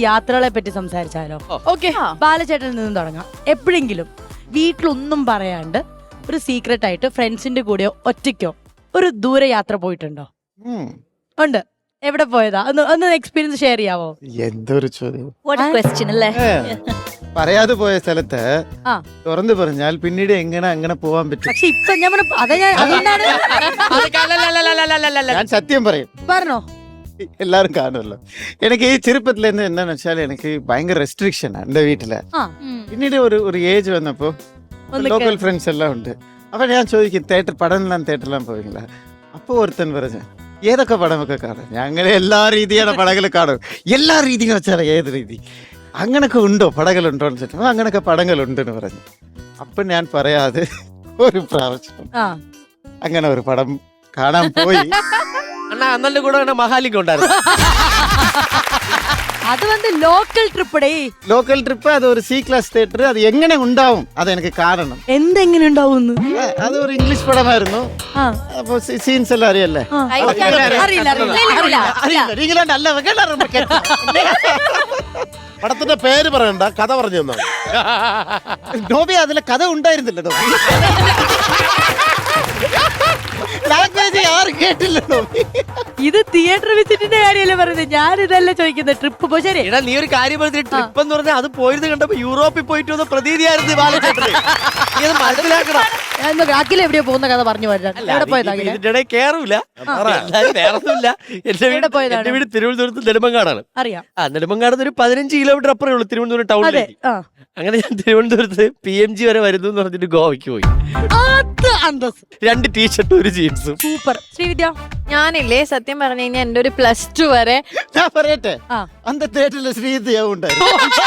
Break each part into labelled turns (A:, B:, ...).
A: യാത്രകളെ പറ്റി സംസാരിച്ചാലോ? ഓക്കെ, ബാലചേട്ടനിൽ നിന്നും തുടങ്ങാം. എപ്പോഴെങ്കിലും വീട്ടിലൊന്നും പറയാണ്ട് ഒരു സീക്രട്ട് ആയിട്ട് ഫ്രണ്ട്സിന്റെ കൂടെയോ ഒറ്റയ്ക്കോ ഒരു ദൂരെ യാത്ര പോയിട്ടുണ്ടോ? ഉണ്ട്. എവിടെ പോയതാ? ഒന്ന് എക്സ്പീരിയൻസ് ഷെയർ ചെയ്യാവോ?
B: എന്തൊരു ചോദ്യം.
C: പറയാതെ പോയ സ്ഥലത്ത് തുറന്നു പറഞ്ഞാൽ പിന്നീട് എങ്ങനെ അങ്ങനെ പോവാൻ പറ്റും?
A: പക്ഷെ ഇപ്പൊ
C: ഞാൻ സത്യം പറയും.
A: പറഞ്ഞോ.
C: എല്ലാരും കാണുമല്ലോ. എനിക്ക് ഈ ചെറുപ്പത്തിൽ എന്താണെന്ന് വെച്ചാൽ എനിക്ക് ഭയങ്കര റെസ്ട്രിക്ഷനാണ് എന്റെ വീട്ടില്. പിന്നീട് ഒരു ഏജ് വന്നപ്പോ ലോക്കൽ ഫ്രണ്ട്സ് എല്ലാം ഉണ്ട്. അപ്പൊ ഞാൻ ചോദിക്കും തിയേറ്ററിലെല്ലാം പോയില്ല. അപ്പൊ ഒരുത്തൻ പറഞ്ഞു ഏതൊക്കെ പടമൊക്കെ കാണും? ഞാൻ അങ്ങനെ എല്ലാ രീതിയുടെ പടങ്ങൾ കാണും. എല്ലാ രീതിയും വെച്ചാൽ ഏത് രീതി അങ്ങനൊക്കെ ഉണ്ടോ, പടകളുണ്ടോ എന്ന് ചോദിച്ചു. അങ്ങനൊക്കെ പടങ്ങളുണ്ടെന്ന് പറഞ്ഞു. അപ്പൊ ഞാൻ പറയാതെ ഒരു പ്രാവശ്യം അങ്ങനെ ഒരു പടം കാണാൻ പോയി.
D: അണ്ണന്റെ കൂടെ മഹാലിംഗം ഉണ്ടായിരുന്നു.
A: അത് ലോക്കൽ ട്രിപ്പ്.
C: ലോക്കൽ ട്രിപ്പ്, അത് ഒരു സി ക്ലാസ് തിയേറ്റർ. അത് എങ്ങനെ ഉണ്ടാവും അതെനിക്ക് കാണണം.
A: എന്തെങ്ങനെ ഉണ്ടാവും?
C: അത് ഒരു ഇംഗ്ലീഷ് പടമായിരുന്നു. അപ്പൊ സീൻസ് എല്ലാം അറിയല്ലേ?
B: പടത്തിന്റെ പേര് പറയണ്ട, കഥ പറഞ്ഞു തന്നോ.
C: നോബി അതിലെ കഥ ഉണ്ടായിരുന്നില്ല. ലാംഗ്വേജ് ആരും കേട്ടില്ലല്ലോ.
A: ഇത് തിയേറ്റർ വിസിറ്റിന്റെ കാര്യമല്ലേ പറയുന്നത്? ഞാൻ ഇതല്ല ചോദിക്കുന്നത്. ട്രിപ്പ് പോ. ശരി,
D: നീ ഒരു കാര്യം പറഞ്ഞിട്ട് ട്രിപ്പ് എന്ന് പറഞ്ഞാൽ അത് പോയത് കണ്ടപ്പോ യൂറോപ്പിൽ പോയിട്ട് വന്ന പ്രതീതിയായിരുന്നു ബാലചേട്ടന്. മനസ്സിലാക്കണം.
A: അഖിൽ എവിടെയോ പോകുന്ന കഥ പറഞ്ഞു പോയതാ.
D: ഇതിന്റെ കേറൂല, വേറൊന്നുമില്ല. എന്റെ വീട് തിരുവനന്തപുരത്ത് നെടുമങ്ങാടാണ്.
A: അറിയാം.
D: നെടുമങ്ങാട് ഒരു 15 കിലോമീറ്റർ അപ്പുറമേ ഉള്ളൂ തിരുവനന്തപുരം ടൗണിലേക്ക്. അങ്ങനെ ഞാൻ തിരുവനന്തപുരത്ത് PMG വരെ വരുന്നു എന്ന് പറഞ്ഞിട്ട് ഗോവയ്ക്ക് പോയി. 2 ടീഷർട്ടും 1 ജീൻസും.
A: സൂപ്പർ. ശ്രീവിദ്യ?
E: ഞാനില്ലേ സത്യം പറഞ്ഞു കഴിഞ്ഞാൽ എന്റെ ഒരു +2 വരെ
C: ഞാൻ പറയട്ടെ, അന്ത തിയേറ്ററിൽ ശ്രീവിദ്യ ഉണ്ടായിരുന്നു.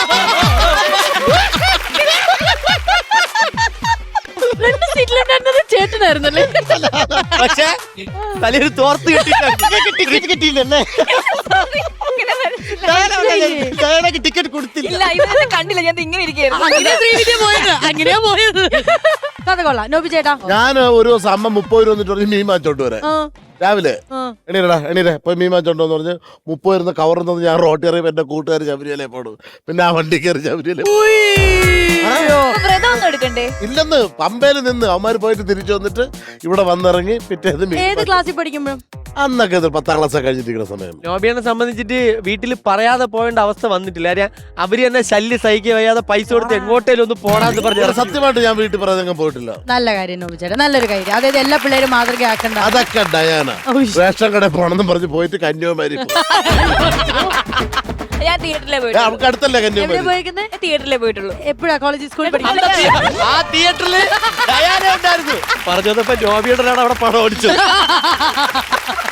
E: ചേട്ടനായിരുന്നല്ലേ?
D: പക്ഷേ തലയൊരു തോർത്ത്
C: കിട്ടിയില്ലല്ലേ? ടിക്കറ്റ് കൊടുത്തില്ല.
E: കണ്ടില്ല, ഞാൻ ഇങ്ങനെ ഇരിക്കുന്നു.
A: അങ്ങനെയാ പോയത്. കഥ കൊള്ളാം. നോബി ചേട്ടാ?
B: ഞാൻ ഒരു ദിവസം അമ്മ 30 രൂപ വന്നിട്ട് പറഞ്ഞ് മീൻ വാങ്ങിച്ചോണ്ട് വരെ രാവിലെ. എണീരെ പോയി മീൻ വാങ്ങിച്ചോണ്ടോന്ന് പറഞ്ഞ് 30 വരുന്ന കവറിന്ന് ഞാൻ റോട്ടി അറിയുമ്പോ എന്റെ കൂട്ടുകാർ ശബരിമല പോടും. പിന്നെ ആ വണ്ടി കയറി ശബരിമല ഇല്ലെന്ന് പമ്പയിൽ നിന്ന് അവന്മാര് പോയിട്ട് തിരിച്ചു വന്നിട്ട് ഇവിടെ വന്നിറങ്ങി പിറ്റേന്ന്.
A: ഏത് ക്ലാസ്സിൽ പഠിക്കുമ്പോഴും?
B: അന്നൊക്കെ 10ാം ക്ലാസ് കഴിഞ്ഞിരിക്കുന്ന സമയം.
D: നോബിയെ സംബന്ധിച്ചിട്ട് വീട്ടിൽ പറയാതെ പോകേണ്ട അവസ്ഥ വന്നിട്ടില്ല. അവര് തന്നെ ശല്യം സഹിക്കുക വയ്യാതെ പൈസ കൊടുത്ത് എങ്ങോട്ടേലും ഒന്ന് പോടാന്ന് പറഞ്ഞു.
B: സത്യമായിട്ട് ഞാൻ വീട്ടിൽ പറയാതെ പോയിട്ടില്ല.
A: നല്ല കാര്യം നോബി ചേട്ടാ, നല്ലൊരു കാര്യം. അതായത് എല്ലാ പിള്ളേരും മാതൃകയാക്കണ്ട.
B: അതൊക്കെ ഡയാന റേഷൻ കടയിൽ പോണെന്നും പറഞ്ഞ് പോയിട്ട് കന്യാകുമാരി.
E: ഞാൻ തിയേറ്ററിലെ
B: നമുക്ക് അടുത്തല്ലേ കന്യാകുമാരി?
E: തിയേറ്ററിലെ പോയിട്ടുള്ളൂ.
A: എപ്പോഴാ? കോളേജ് സ്കൂളിൽ പഠിക്കും.
D: ആ തിയേറ്ററിൽ ഉണ്ടായിരുന്നു. പറഞ്ഞപ്പോ നോബിയുടെ അവിടെ പണം ഓടിച്ചു.